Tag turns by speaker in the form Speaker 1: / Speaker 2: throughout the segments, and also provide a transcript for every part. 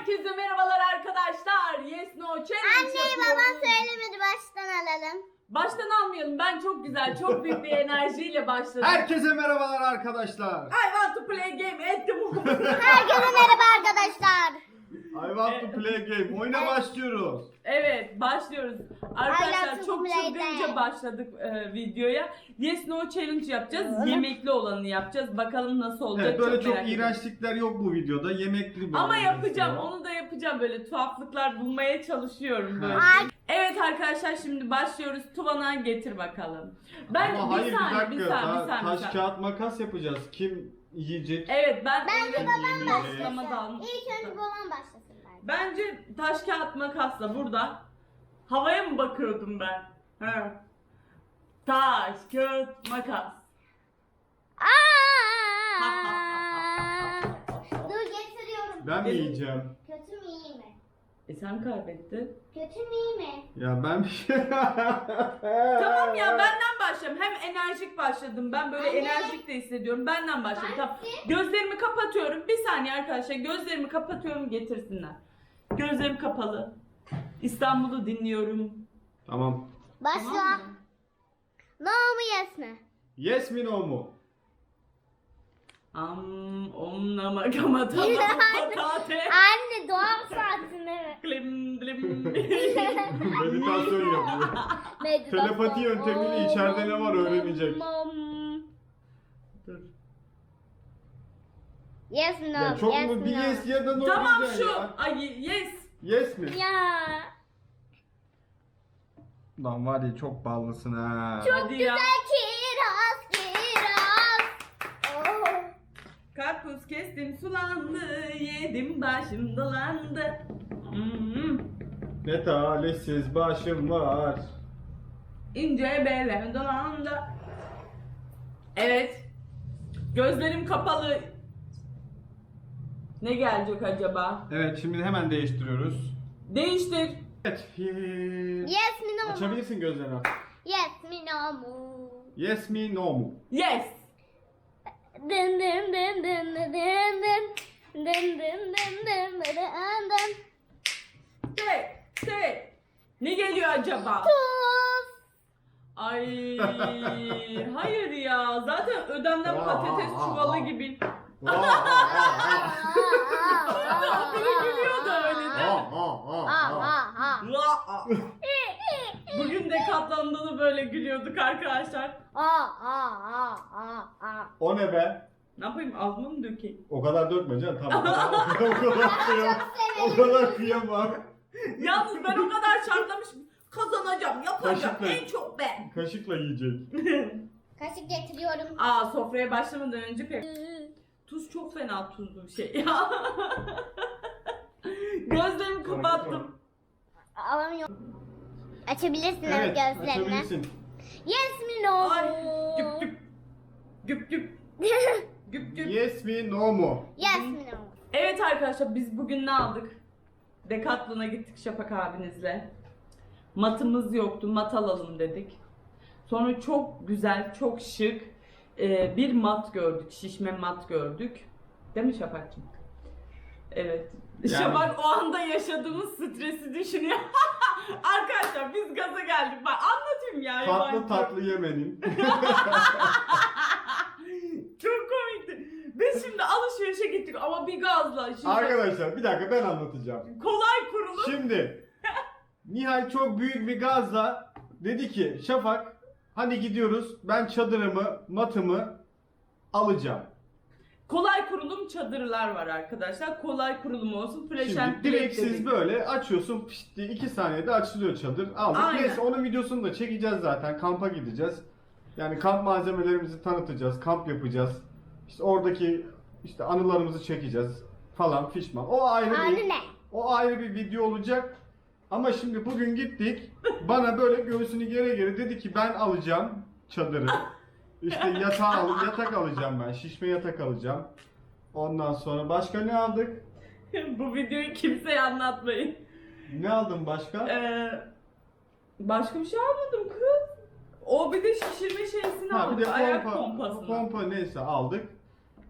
Speaker 1: Herkese merhabalar arkadaşlar. Yes No Challenge
Speaker 2: Anneyi babam söylemedi, baştan alalım.
Speaker 1: Baştan almayalım. Ben çok güzel, çok büyük bir enerjiyle başladım.
Speaker 3: Herkese merhabalar arkadaşlar.
Speaker 1: I want to play game at the moment.
Speaker 2: Herkese merhaba arkadaşlar.
Speaker 3: I want to play game. Oyuna başlıyoruz.
Speaker 1: Evet, başlıyoruz.
Speaker 2: I
Speaker 1: Arkadaşlar
Speaker 2: want to
Speaker 1: çok
Speaker 2: play
Speaker 1: çılgınca
Speaker 2: game.
Speaker 1: başladık videoya. Yes No Challenge yapacağız. Yemekli olanı yapacağız. Bakalım nasıl olacak.
Speaker 3: Evet, böyle çok
Speaker 1: merak ediyorum.
Speaker 3: iğrençlikler yok bu videoda. Yemekli bir
Speaker 1: Ama
Speaker 3: oyun
Speaker 1: yapacağım.
Speaker 3: istiyor.
Speaker 1: Onu da yapacağım. Böyle tuhaflıklar bulmaya çalışıyorum böyle.
Speaker 2: Ay.
Speaker 1: Evet arkadaşlar şimdi başlıyoruz. Tuvana getir bakalım. Ben
Speaker 3: Ama hayır,
Speaker 1: bir saniye,
Speaker 3: bir
Speaker 1: bir
Speaker 3: dakika.
Speaker 1: saniye, bir
Speaker 3: Daha
Speaker 1: saniye.
Speaker 3: taş kağıt makas yapacağız. Kim yiyecek?
Speaker 1: Evet ben
Speaker 2: Bence
Speaker 1: öyle
Speaker 2: babam
Speaker 1: bir başlama da almıştım.
Speaker 2: İlk önce babam başlasın bence.
Speaker 1: Bence taş kağıt makasla burada havaya mı bakıyordum ben? He. Taş kağıt makas.
Speaker 2: Dur getiriyorum.
Speaker 3: Ben mi yiyeceğim?
Speaker 2: Kötü mü iyi mi?
Speaker 1: Sen kaybettin.
Speaker 2: Kötü mü iyi mi?
Speaker 3: Ya ben bir şey...
Speaker 1: Tamam ya benden başlayalım. Hem enerjik başladım. Ben böyle
Speaker 2: Anne.
Speaker 1: enerjik de hissediyorum. Benden başlayalım. Tamam.
Speaker 2: Başlayayım.
Speaker 1: Gözlerimi kapatıyorum. Bir saniye arkadaşlar. Gözlerimi kapatıyorum, getirsinler. Gözlerim kapalı. İstanbul'u dinliyorum.
Speaker 3: Tamam.
Speaker 2: Başla.
Speaker 1: Tamam mı?
Speaker 2: No mu yes mi?
Speaker 3: Yes mi no mu?
Speaker 1: Om nama kama patate.
Speaker 2: Anne doğum saatine.
Speaker 1: Glim glim.
Speaker 3: Meditasyon yapıyor. Telepati yöntemiyle içeride ne var öğrenecek.
Speaker 1: Dur.
Speaker 2: Yes no.
Speaker 3: Ya çok
Speaker 2: yes,
Speaker 3: mu bir
Speaker 2: no.
Speaker 3: yes ya da no
Speaker 1: Tamam
Speaker 3: diyeceksin
Speaker 1: şu.
Speaker 3: ya.
Speaker 1: Ay yes.
Speaker 3: Yes mi?
Speaker 2: Ya.
Speaker 3: Lan var ya çok ballısın ha.
Speaker 1: Hadi ya.
Speaker 2: Kiraz kiraz. Oh.
Speaker 1: Karpuz kestim sulandı. Yedim başım dolandı.
Speaker 3: Ne talihsiz başım var.
Speaker 1: İnce belem dolandı. Evet. Gözlerim kapalı. Ne gelecek acaba?
Speaker 3: Evet, şimdi hemen değiştiriyoruz.
Speaker 1: Değiştir.
Speaker 3: Evet.
Speaker 2: Yes mi no mu?
Speaker 3: Açabilirsin gözlerini.
Speaker 2: Yes mi no mu?
Speaker 3: Yes mi no mu?
Speaker 1: Yes.
Speaker 2: Dın dın dın dın dın dın dın. Dın dın dın dın dın dın.
Speaker 1: Say. Ne geliyor acaba?
Speaker 2: Tuz.
Speaker 1: Ay hayır ya. Zaten ödemden patates çuvalı gibi. Biri gülüyor da öyle değil mi? Bugün de katlandığını böyle gülüyorduk arkadaşlar.
Speaker 3: O ne be?
Speaker 1: Ne yapayım, ağzıma mı dökeyim?
Speaker 3: O kadar dökme canım, tamam. O kadar kıyamam.
Speaker 1: Yalnız ben o kadar şartlamışım. Kazanacağım, yapacağım.
Speaker 3: Kaşıkla.
Speaker 1: En çok ben.
Speaker 3: Kaşıkla yiyecek.
Speaker 2: Kaşık getiriyorum.
Speaker 1: Aa, sofraya başlamadan önce pek. Tuz çok fena tuzlu bir şey ya. Gözlerimi kapattım.
Speaker 2: Alamıyorum. Açabilirsin
Speaker 3: Evet,
Speaker 2: gözlerini.
Speaker 3: açabilirsin.
Speaker 2: Yes mi no
Speaker 1: Ay,
Speaker 2: mu?
Speaker 1: güp güp. Güp güp. Güp güp.
Speaker 3: Yes mi no mu?
Speaker 2: Yes mi no mu?
Speaker 1: Evet arkadaşlar, biz bugün ne aldık? Decathlon'a gittik Şafak abinizle. Matımız yoktu, mat alalım dedik. Sonra çok güzel, çok şık bir mat gördük, şişme mat gördük. Değil mi Şafak'cığım? Evet.
Speaker 3: Yani-
Speaker 1: Şafak o anda yaşadığımız stresi düşünüyor. Arkadaşlar biz gaza geldik. Bak anlatayım ya.
Speaker 3: Tatlı
Speaker 1: yabancı.
Speaker 3: tatlı yemenin.
Speaker 1: Çok komikti. Biz şimdi alışverişe gittik ama bir gazla. Şimdi
Speaker 3: Arkadaşlar bir dakika, ben anlatacağım.
Speaker 1: kolay kurulup.
Speaker 3: Şimdi Nihal çok büyük bir gazla dedi ki Şafak, hadi gidiyoruz, ben çadırımı, matımı alacağım.
Speaker 1: Kolay kurulum çadırlar var arkadaşlar. Kolay kurulum olsun. Fresh and
Speaker 3: Şimdi direkt
Speaker 1: dedik.
Speaker 3: siz böyle açıyorsun, pişt diye 2 saniyede açılıyor çadır. Aldık.
Speaker 1: Aynen.
Speaker 3: Neyse, onun videosunu da çekeceğiz zaten. Kampa gideceğiz. Yani kamp malzemelerimizi tanıtacağız, kamp yapacağız. İşte oradaki işte anılarımızı çekeceğiz falan fişman. O ayrı
Speaker 2: Anne
Speaker 3: bir
Speaker 2: ne?
Speaker 3: o ayrı bir video olacak. Ama şimdi bugün gittik. Bana böyle göğsünü gere gere dedi ki ben alacağım çadırı. İşte yatak alacağım ben. Şişme yatak alacağım. Ondan sonra başka ne aldık?
Speaker 1: Bu videoyu kimseye anlatmayın.
Speaker 3: Ne aldın başka?
Speaker 1: Başka bir şey almadım kız. O bir de şişirme şeysini
Speaker 3: Ha, bir
Speaker 1: aldık.
Speaker 3: de
Speaker 1: Ayak
Speaker 3: pompa,
Speaker 1: pompasını.
Speaker 3: pompa neyse aldık.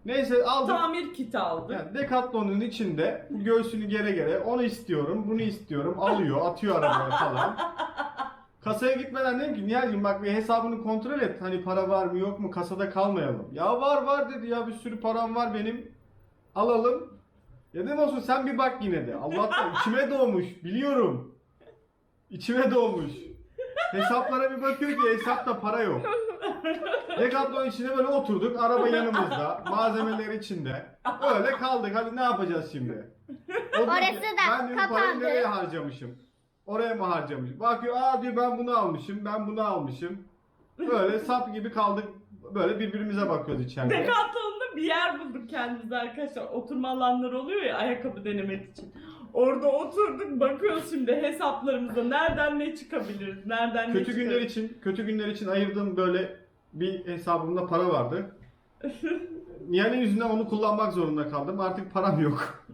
Speaker 3: Neyse aldık.
Speaker 1: Tamir kiti aldık.
Speaker 3: Yani Decathlon'un içinde bu göğsünü gere gere onu istiyorum, bunu istiyorum. Alıyor, atıyor arabaya falan. Kasaya gitmeden dedim ki Nihal'cim bak bir hesabını kontrol et. Hani para var mı yok mu kasada kalmayalım. Ya var dedi ya bir sürü param var benim. Alalım. Ya dedim olsun sen bir bak yine de. Allah'tan içime doğmuş biliyorum. İçime doğmuş. Hesaplara bir bakıyor ki hesapta para yok. Decathlon içinde böyle oturduk. Araba yanımızda. Malzemeler içinde. Öyle kaldık. Hadi ne yapacağız şimdi? O diyor ki,
Speaker 2: Orası da
Speaker 3: ben diyor, parayı
Speaker 2: kapandı.
Speaker 3: nereye harcamışım? Oraya mı harcamışım? Bakıyor aa diyor ben bunu almışım. Ben bunu almışım. Böyle sap gibi kaldık. Böyle birbirimize bakıyoruz içeride.
Speaker 1: Decathlon'da bir yer bulduk kendimize arkadaşlar. Oturma alanları oluyor ya ayakkabı denemek için. Orada oturduk bakıyoruz şimdi hesaplarımıza nereden ne çıkabiliriz, nereden ne
Speaker 3: Kötü
Speaker 1: çıkabiliriz.
Speaker 3: günler için, kötü günler için ayırdığım böyle bir hesabımda para vardı. Nihal'in yüzünden onu kullanmak zorunda kaldım. Artık param yok.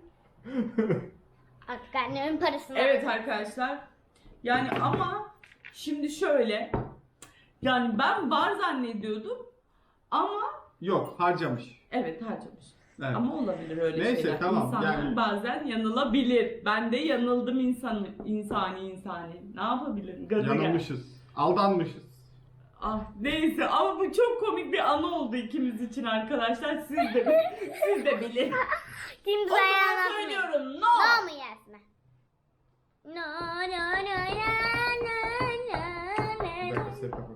Speaker 2: Artık annemin parasını.
Speaker 1: Evet arkadaşlar. Yani ama şimdi şöyle. Yani ben var zannediyordum ama
Speaker 3: Yok, harcamış.
Speaker 1: evet harcamış.
Speaker 3: Evet.
Speaker 1: Ama olabilir öyle
Speaker 3: Neyse,
Speaker 1: şeyler.
Speaker 3: tamam,
Speaker 1: İnsanlar
Speaker 3: yani-
Speaker 1: bazen yanılabilir. Ben de yanıldım insani. Ne yapabilirim? Gaza gel.
Speaker 3: Yanılmışız. Aldanmışız.
Speaker 1: Ah neyse ama bu çok komik bir anı oldu ikimiz için arkadaşlar. Siz de bilin.
Speaker 2: Kimse
Speaker 1: O zaman
Speaker 2: ayağına
Speaker 1: söylüyorum no.
Speaker 2: No mu Yasmin? No no no no no
Speaker 3: Bir
Speaker 2: no
Speaker 3: dakika, set yapalım.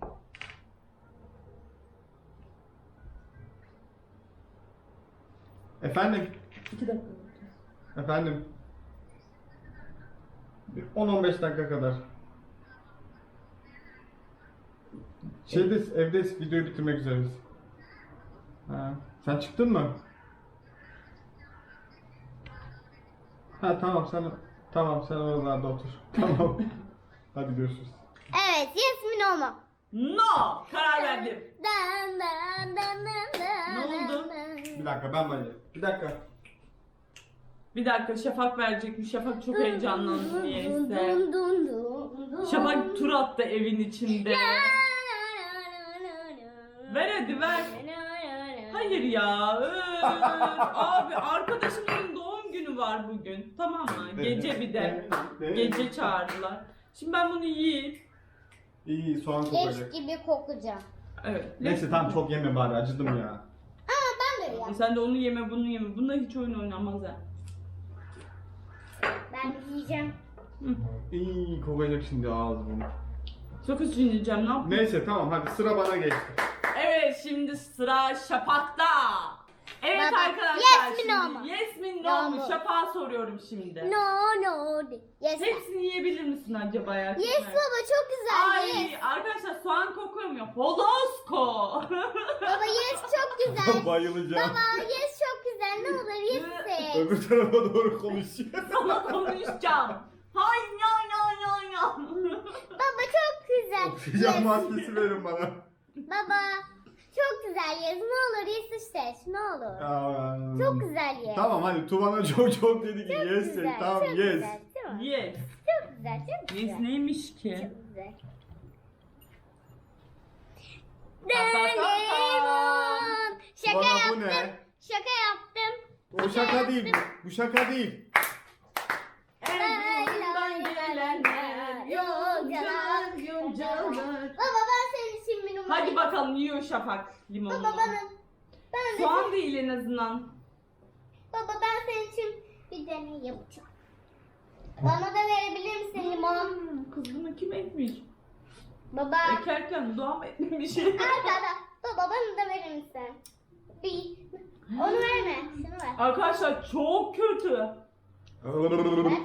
Speaker 3: Efendim?
Speaker 1: 2 dakika.
Speaker 3: Efendim? Bir 10-15 dakika kadar. Evde videoyu bitirmek üzereyiz. Ha, sen çıktın mı? Ha tamam sen oralarda otur. Tamam. Hadi görüşürüz.
Speaker 2: Evet Yasmin o mu?
Speaker 1: No. Karar verdim.
Speaker 2: Dan dan dan dan dan.
Speaker 1: Ne oldu?
Speaker 3: Bir dakika ben bayılıyorum. Bir dakika.
Speaker 1: Bir dakika Şafak verecekmiş. Şafak çok heyecanlandı niyeyse.
Speaker 2: Dun dun dun dun.
Speaker 1: Şafak tur attı evin içinde. Ver hadi ver. Hayır ya. Abi arkadaşımın doğum günü var bugün. Tamam mı? Gece bir de. Gece çağırdılar. Şimdi ben bunu yiyeyim.
Speaker 3: İyi soğan
Speaker 2: Leş
Speaker 3: kokacak.
Speaker 2: gibi kokacağım.
Speaker 1: Evet.
Speaker 3: Neyse tamam çok yeme bari acıdım ya.
Speaker 2: Ama ben de ya.
Speaker 1: Sen de onu yeme bunu yeme. Bununla hiç oyun oynanmaz ha.
Speaker 2: Ben yiyeceğim.
Speaker 3: İyi kokacak şimdi ağzım.
Speaker 1: Çok üzüleceğim ne yapayım?
Speaker 3: Neyse tamam hadi sıra bana geçti.
Speaker 1: Evet şimdi sıra Şafak'ta. Evet
Speaker 2: Baba,
Speaker 1: arkadaşlar
Speaker 2: yes mi,
Speaker 1: şimdi
Speaker 2: no mu?
Speaker 1: yes mi
Speaker 2: No
Speaker 1: no mu?
Speaker 2: mu?
Speaker 1: Şafak'a soruyorum şimdi.
Speaker 2: No no de. Yes.
Speaker 1: Hepsini yiyebilir misin acaba ya? Çok
Speaker 2: Yes
Speaker 1: merak-
Speaker 2: baba çok güzel.
Speaker 1: Ay
Speaker 2: Yes.
Speaker 1: arkadaşlar soğan kokuyor mu? Holosko.
Speaker 2: Baba yes çok güzel.
Speaker 3: Bayılacağım.
Speaker 2: Baba yes çok güzel. Ne olur yes de.
Speaker 3: Öbür tarafa doğru konuşuyor.
Speaker 1: Sana konuşacağım. Hay ya.
Speaker 2: Baba çok güzel.
Speaker 3: Oksijen
Speaker 2: Yes.
Speaker 3: maskesi verin bana.
Speaker 2: Baba çok güzel yes. Ne olur yes işte. Ne olur. Çok güzel yes.
Speaker 3: Tamam hadi Tuvan'a çok dedi ki
Speaker 2: Çok
Speaker 3: yes
Speaker 2: güzel.
Speaker 3: say. Tamam
Speaker 2: çok
Speaker 3: yes.
Speaker 2: Güzel, değil mi?
Speaker 1: Yes.
Speaker 2: Çok güzel. Çok güzel.
Speaker 1: Yes neymiş ki?
Speaker 2: Çok güzel.
Speaker 1: Ta.
Speaker 2: Şaka
Speaker 3: Tuvan'a bu
Speaker 2: yaptım.
Speaker 3: ne?
Speaker 2: Şaka yaptım.
Speaker 3: O şaka değil. Bu şaka değil.
Speaker 1: Erzurum'dan gelenler yolcular.
Speaker 2: Baba ben senin için bir numara.
Speaker 1: Hadi bakalım yiyor Şafak limonunu.
Speaker 2: Baba ben de
Speaker 1: Soğan değil en azından.
Speaker 2: baba ben senin için bir deney yapacağım. Bana da verebilir misin limon?
Speaker 1: Kız bunu kim etmiş?
Speaker 2: Baba.
Speaker 1: Ekerken doğam etmemiş.
Speaker 2: Arkada. Baba bana da verir misin? Bir. Onu verme. Şunu ver.
Speaker 1: Arkadaşlar çok kötü.
Speaker 2: Ver.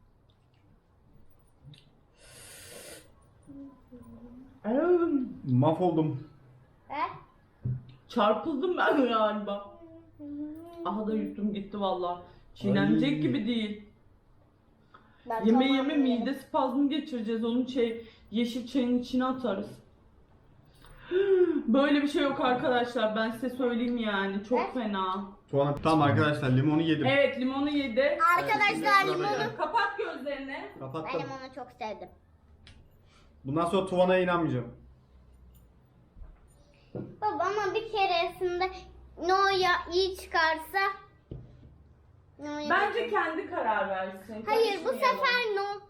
Speaker 3: Mahvoldum.
Speaker 2: Ver.
Speaker 1: Çarpıldım ben galiba. Aha da yuttum gitti valla. Çiğnenecek
Speaker 3: Ay.
Speaker 1: gibi değil.
Speaker 2: Ben
Speaker 1: Yeme
Speaker 2: tamam
Speaker 1: yeme
Speaker 2: yerim.
Speaker 1: mide spazmı geçireceğiz. Onu yeşil çayın içine atarız. Böyle bir şey yok arkadaşlar. Ben size söyleyeyim yani. Çok
Speaker 2: Evet.
Speaker 1: fena.
Speaker 3: Tuvan tamam arkadaşlar limonu yedim.
Speaker 1: Evet limonu yedi.
Speaker 2: Arkadaşlar
Speaker 3: Evet,
Speaker 2: limonu.
Speaker 3: evet.
Speaker 1: Kapat gözlerini.
Speaker 2: Ben
Speaker 3: Kapattım.
Speaker 2: limonu çok sevdim.
Speaker 3: Bundan sonra Tuvan'a inanmayacağım.
Speaker 2: Baba ama bir keresinde No ya iyi çıkarsa. No
Speaker 1: Bence kendi karar versin.
Speaker 2: Hayır bu
Speaker 1: Karışmayalım.
Speaker 2: sefer no.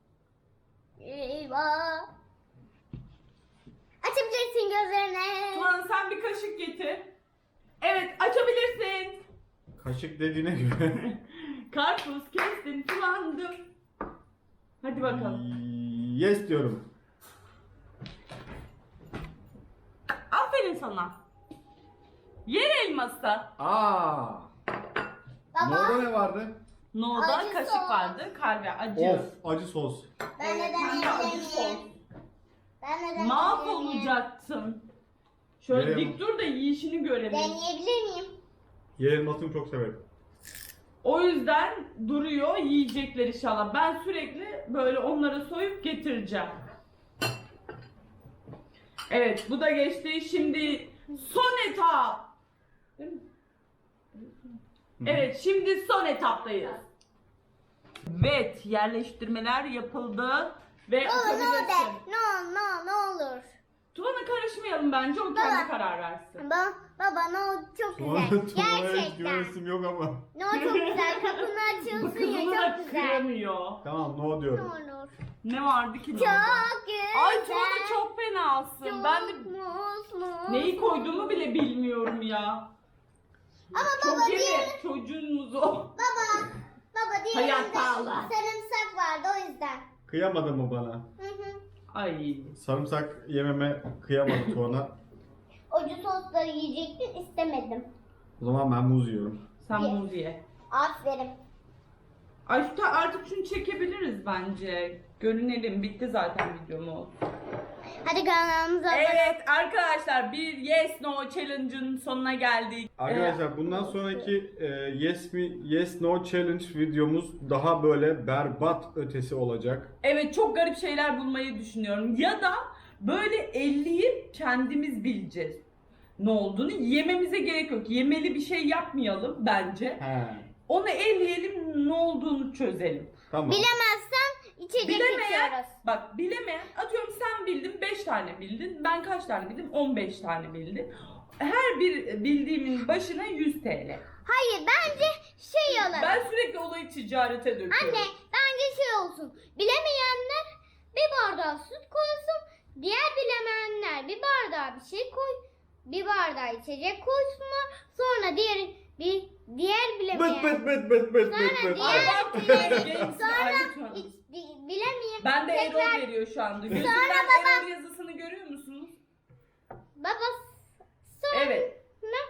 Speaker 2: Eyvah. Açabilirsin gözlerini.
Speaker 1: Tuğan sen bir kaşık getir. Evet açabilirsin.
Speaker 3: Kaşık dediğine göre.
Speaker 1: Karpuz kestin sulandı. Hadi bakalım.
Speaker 3: Yes diyorum.
Speaker 1: Aferin sana. Yer elması.
Speaker 3: Aa.
Speaker 2: Baba.
Speaker 3: Orada ne vardı?
Speaker 1: No'da
Speaker 2: Acı
Speaker 1: kaşık
Speaker 2: sos.
Speaker 1: vardı. Kalbe acı.
Speaker 3: Of, acı sos.
Speaker 2: Ben de
Speaker 1: Evet, hem de acı
Speaker 2: deneyebilir
Speaker 1: sos.
Speaker 2: miyim? Ben de deneyebilir miyim?
Speaker 1: Mahvolacaksın. Şöyle
Speaker 3: Nereye
Speaker 1: dik dur da yiyişini görelim.
Speaker 2: Deneyebilir miyim?
Speaker 3: Yer elmasını çok severim.
Speaker 1: O yüzden duruyor yiyecekler inşallah. Ben sürekli böyle onları soyup getireceğim. Evet bu da geçti. Şimdi son etap. Değil mi? Evet şimdi son etaptayız. Evet yerleştirmeler yapıldı ve
Speaker 2: No no de.
Speaker 1: açabilirsin.
Speaker 2: No olur.
Speaker 1: Tuvan'a karışmayalım bence o kendi karar versin.
Speaker 2: Baba no çok
Speaker 3: Tuğan'a
Speaker 2: güzel.
Speaker 3: hiç
Speaker 2: Gerçekten.
Speaker 3: güvenesim yok ama.
Speaker 2: No çok güzel. Kapını
Speaker 1: Bu
Speaker 2: açıyorsun
Speaker 1: kızını
Speaker 2: ya
Speaker 1: da
Speaker 2: çok güzel.
Speaker 1: kıramıyor.
Speaker 3: Tamam no
Speaker 2: Ne
Speaker 3: diyorum.
Speaker 2: olur.
Speaker 1: Ne vardı ki?
Speaker 2: Çok
Speaker 1: orada?
Speaker 2: güzel.
Speaker 1: Ay Tuvan'a çok fenasın.
Speaker 2: Çok
Speaker 1: Ben de
Speaker 2: mutlu.
Speaker 1: neyi koyduğumu bile bilmiyorum ya.
Speaker 2: Ama
Speaker 1: Çok
Speaker 2: baba
Speaker 1: yeme
Speaker 2: diğer...
Speaker 1: çocuğunuz o.
Speaker 2: Baba diğerinde
Speaker 1: Hayatalı.
Speaker 2: sarımsak vardı o yüzden.
Speaker 3: Kıyamadı mı bana?
Speaker 2: Hı hı.
Speaker 1: Ay.
Speaker 3: Sarımsak yememe kıyamadı Tuğan'a.
Speaker 2: Acı sosları yiyecektin istemedim.
Speaker 3: O zaman ben muz yiyorum.
Speaker 1: Sen
Speaker 2: Ye.
Speaker 1: muz ye.
Speaker 2: Aferin.
Speaker 1: Ay artık şunu çekebiliriz bence. Görünelim. Bitti zaten videomuz.
Speaker 2: Hadi kanalımıza
Speaker 1: Evet arkadaşlar bir Yes No Challenge'ın sonuna geldik.
Speaker 3: Arkadaşlar bundan sonraki Yes No Challenge videomuz daha böyle berbat ötesi olacak.
Speaker 1: Evet çok garip şeyler bulmayı düşünüyorum. Ya da böyle elleyip kendimiz bileceğiz. Ne olduğunu yememize gerek yok. Yemeli bir şey yapmayalım bence.
Speaker 3: He.
Speaker 1: Onu elleyelim ne olduğunu çözelim.
Speaker 3: Tamam.
Speaker 2: bilemezsen içecek
Speaker 1: Bilemeyen,
Speaker 2: içiyoruz.
Speaker 1: bak bilemeyen, atıyorum sen bildin 5 tane bildin, ben kaç tane bildim? 15 tane bildim. Her bir bildiğimin başına 100 TL.
Speaker 2: Hayır bence şey olur.
Speaker 1: Ben sürekli olayı ticarete döküyorum.
Speaker 2: Anne bence şey olsun. Bilemeyenler bir bardağı süt koysun. Diğer bilemeyenler bir bardağı bir şey koy. Bir bardağı içecek koysunlar. Sonra diğer bilemeyen.
Speaker 1: Ay
Speaker 2: Sonra diğer
Speaker 1: bak games
Speaker 2: Sonra
Speaker 1: lütfen.
Speaker 2: bilemeyen.
Speaker 1: Ben de error
Speaker 2: Tekrar-
Speaker 1: veriyor şu anda. Gözümden error yazısını görüyor musunuz?
Speaker 2: Baba sonra
Speaker 1: Evet.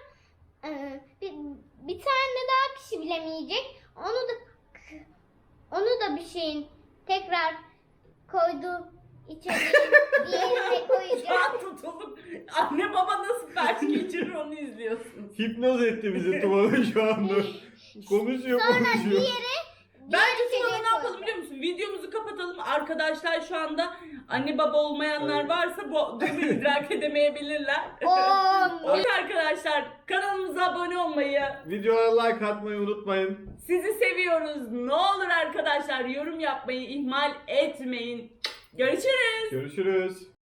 Speaker 2: bir tane daha kişi bilemeyecek. Onu da bir şeyin tekrar koydu içeriye diğerine
Speaker 1: Şu
Speaker 2: koyacak.
Speaker 1: an tutulup anne baba nasıl felç geçirir onu izliyorsunuz.
Speaker 3: Hipnoz etti bizi Tuğan'a şu anda. Konuşuyor
Speaker 2: Sonra
Speaker 3: konuşuyor.
Speaker 1: Bence
Speaker 2: içecek
Speaker 1: sonra ne yapalım
Speaker 2: koyacak.
Speaker 1: biliyor musun? Videomuzu kapatalım. Arkadaşlar şu anda anne baba olmayanlar varsa bu durumu idrak edemeyebilirler. Evet arkadaşlar kanalımıza abone olmayı,
Speaker 3: Videoya like atmayı unutmayın.
Speaker 1: sizi seviyoruz. Ne olur arkadaşlar yorum yapmayı ihmal etmeyin. Görüşürüz.
Speaker 3: Görüşürüz.